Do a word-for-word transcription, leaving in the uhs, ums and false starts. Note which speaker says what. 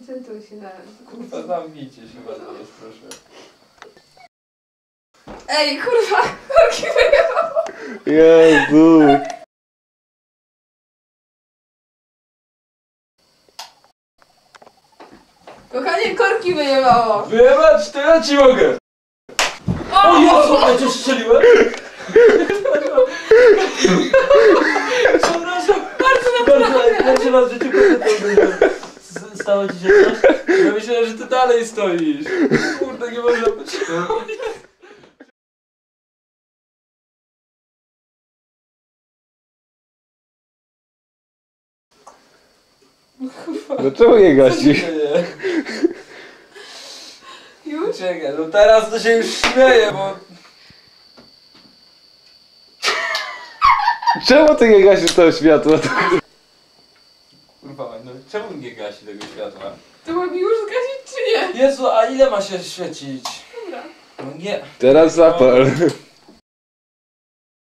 Speaker 1: Koncentruj się na...
Speaker 2: Kurwa, zamknijcie się, bardzo jest, proszę.
Speaker 1: Ej, kurwa! Korki wyjebało!
Speaker 3: Jezu!
Speaker 1: Kochanie, korki wyjebało!
Speaker 2: Wyjebać, to ja ci mogę! O, o Jezu, ja cię strzeliłem! Przepraszam, bardzo naprawdę! Pierwszy raz w życiu kobietę stało ci się coś? Ja myślałem, że ty dalej stoisz. Kurde, nie można być.
Speaker 3: No czemu nie gasisz?
Speaker 1: Już?
Speaker 2: Czekaj, no teraz to się już śmieję, bo...
Speaker 3: Czemu ty nie gasisz tego światła?
Speaker 2: Kurwa, no czemu nie gasi tego światła?
Speaker 1: To mam już zgasić czy nie?
Speaker 2: Jezu, a ile ma się świecić?
Speaker 1: Dobra.
Speaker 2: No nie.
Speaker 3: Teraz zapal.